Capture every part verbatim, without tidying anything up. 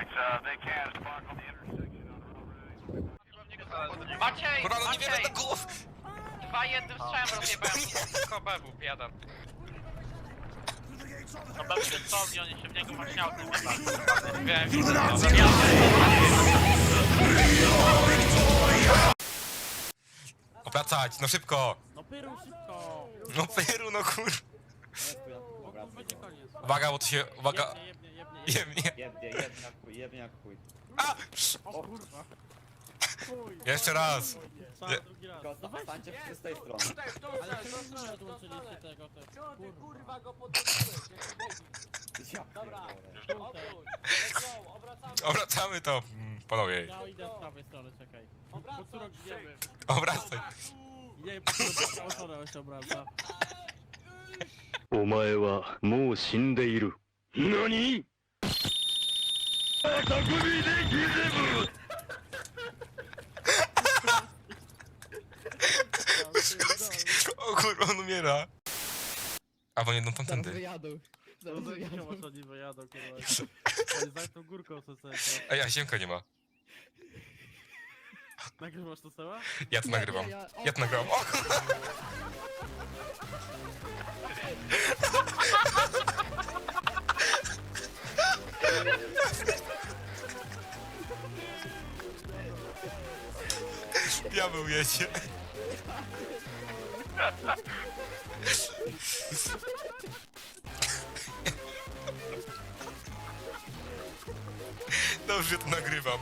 Maciej! Kurwa, no nie wiemy Maciej! do głów! Dwa jednym strzałem rozjebałem tylko bebu, biada. No pewnie co, i oni się w niego właśnie autem wjebali. Wiem, Opracać, no szybko! No pyru szybko! No Peru, no kur... Bo będzie koniec. Uwaga, bo to się... Uwaga... Jebnie, jebnie, jebnie. Jemnie. Jebnie, jebnie jak chuj, jebnie jak chuj. A! O kurwa. Chuj. Jeszcze raz! Trzeba Nie. drugi raz. Tylko No weź, stańcie wszyscy z tej strony. ale czemu nie odłączyliście tego, te kurwa. go podróżujesz? Ja Dobra. pierdolę. Let's go, obracamy. Obracamy to, mm, panowie. Ja idę z prawej strony, czekaj. Pocurok wiemy. Obracaj. Nie, pocurok oszorał się obraca. お前はもう死んでいる。何？匠でギゼブ。 O kurwa, on umiera. Albo jedną Zaraz tamtędy. wyjadą. Zaraz Nie wyjadą. ma oni wyjadą, kurwa. Oni za tą górką co sobie. Ej, a Siemka nie ma. Nagrywasz to Seła? Ja to Nie, nagrywam. nie, ja- o, Ja to nagrywam. O kurwa! Diabeł jedzie. Dobrze, że to nagrywam.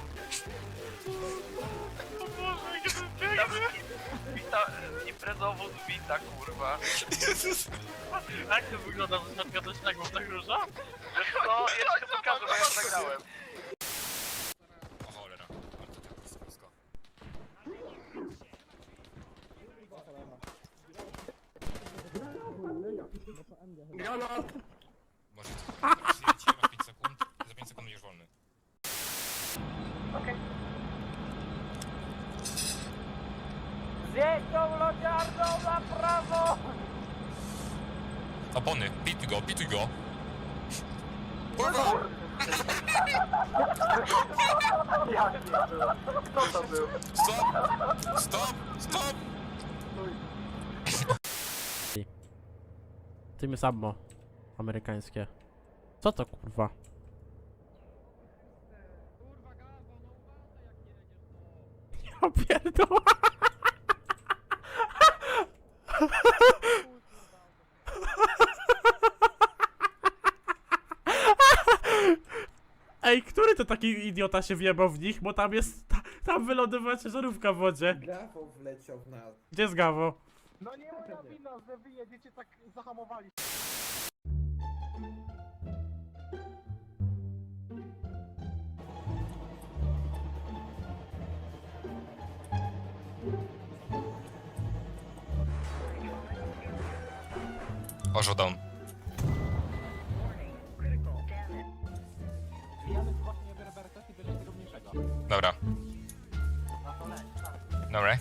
Wita, imprezowo wita, kurwa. Jezus. Jak to wygląda z nadgadocznego w tak róża? Wiesz co, jeszcze pokażę, bo ja zagrałem. O cholera. Ale to tak jest blisko. Może to przyjęcie, masz pięć sekund. Za pięć sekund będziesz wolny. Zjedź tą lodziarną na prawo! Opony, pituj go, pituj go. Kurwa! Kto to był? Stop! Stop! Stop! Tymy Sabmo. Amerykańskie. Co to kurwa? Ja pierdolę. Ej, który to taki idiota się wjebał w nich? Bo tam jest... Ta, tam wylądowała ciężarówka w wodzie. Grafo wleciał w nas. Gdzie jest Gawo? No nie moja wina, że wy jedziecie tak zahamowali. Orzo down. Janek właśnie nie biorę berkot i bierze tego mniejszego. Dobra. Dobra.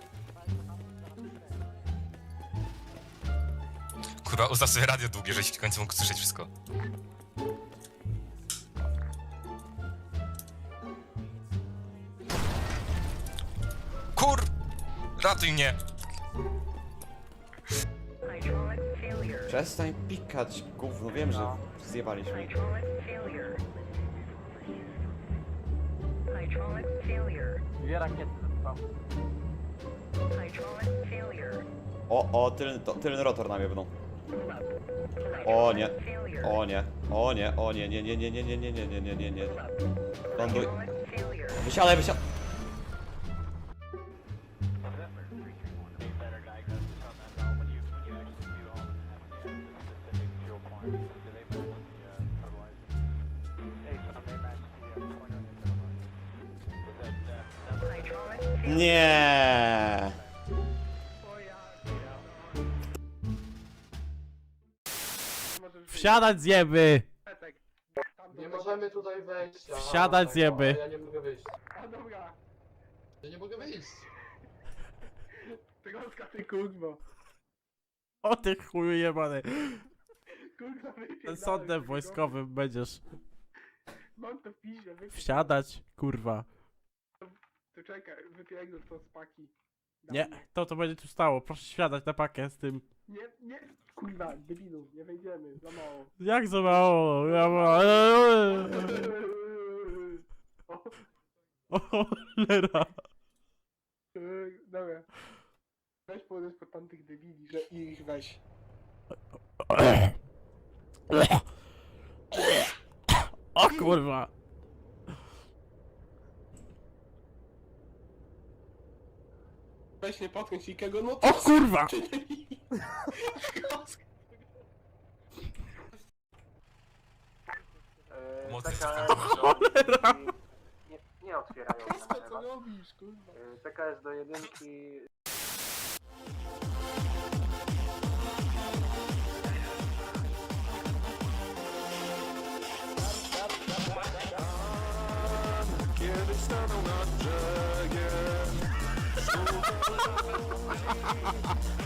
Kurwa, ustaw sobie radio długie, żeś w końcu mógł słyszeć wszystko. Kur... Ratuj mnie! Przestań pikać, gówno, wiem, że zjebaliśmy. Dwie rakiety zespał. O, o, tylny, to, tylny rotor na mnie będą. O nie, o nie, o nie, o nie, nie, nie, nie, nie, nie, nie, nie, nie, nie, nie, nie. Ląduj. Wysiadaj, wysiadaj. Nie. Wsiadać zjeby! Nie możemy tutaj wejść. a- Wsiadać zjeby. Ja nie mogę wyjść. A dobra, Ja nie mogę wyjść. troska ty kurwo. O ty chuju jebany. Kurwa wypierdalaj. Ten sądem wojskowym będziesz. Mam to w piździe, wypierdol. Wsiadać, kurwa. To czekaj, wypierdol to z paki. Nie, to to będzie tu stało. Proszę wsiadać na pakę z tym. Nie, nie, kurwa, debilu, nie wejdziemy, za mało. Jak za mało? Ja ma... O, O cholera. yy, dobra. Weź podejść pod tamtych debili, że ich weź. O kurwa. Weź nie potknąć nikogo, no O kurwa. Pomocy Cholera. Nie, nie otwierają na Co to robisz, kurwa? T K S do jedynki. Kiedy stanął na brzegiem